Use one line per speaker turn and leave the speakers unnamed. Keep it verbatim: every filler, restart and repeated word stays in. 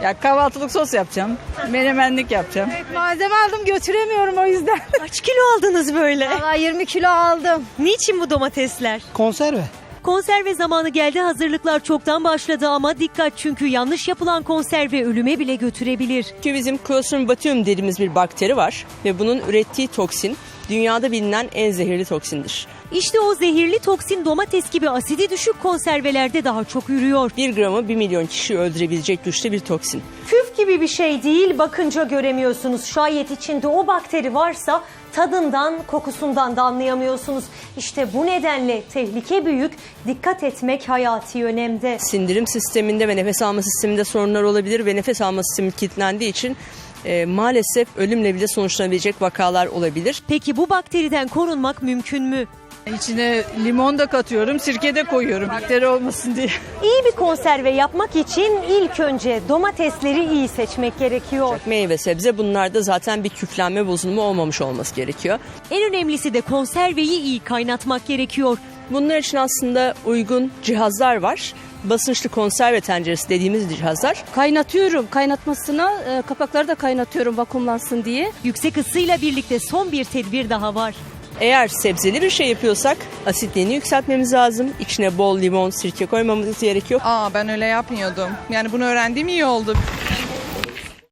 Ya kahvaltılık sos yapacağım. Menemenlik yapacağım.
Evet, malzeme aldım götüremiyorum o yüzden.
Kaç kilo aldınız böyle?
Valla yirmi kilo aldım.
Niçin bu domatesler?
Konserve.
Konserve zamanı geldi, hazırlıklar çoktan başladı ama dikkat, çünkü yanlış yapılan konserve ölüme bile götürebilir.
Çünkü bizim Clostridium botulinum dediğimiz bir bakteri var ve bunun ürettiği toksin dünyada bilinen en zehirli toksindir.
İşte o zehirli toksin domates gibi asidi düşük konservelerde daha çok ürüyor.
Bir gramı bir milyon kişiyi öldürebilecek güçte bir toksin.
Küf gibi bir şey değil, bakınca göremiyorsunuz. Şayet içinde o bakteri varsa tadından, kokusundan da anlayamıyorsunuz. İşte bu nedenle tehlike büyük, dikkat etmek hayati önemde.
Sindirim sisteminde ve nefes alma sisteminde sorunlar olabilir ve nefes alma sistemi kilitlendiği için e, maalesef ölümle bile sonuçlanabilecek vakalar olabilir.
Peki bu bakteriden korunmak mümkün mü?
İçine limon da katıyorum, sirke de koyuyorum. Bakteri olmasın diye.
İyi bir konserve yapmak için ilk önce domatesleri iyi seçmek gerekiyor.
Meyve sebze bunlarda zaten bir küflenme bozulma olmamış olması gerekiyor.
En önemlisi de konserveyi iyi kaynatmak gerekiyor.
Bunlar için aslında uygun cihazlar var. Basınçlı konserve tenceresi dediğimiz cihazlar.
Kaynatıyorum. Kaynatmasına e, kapakları da kaynatıyorum vakumlansın diye.
Yüksek ısıyla birlikte son bir tedbir daha var.
Eğer sebzeli bir şey yapıyorsak asitliğini yükseltmemiz lazım. İçine bol limon, sirke koymamız gerekiyor.
Aa ben öyle yapmıyordum. Yani bunu öğrendiğim iyi oldu.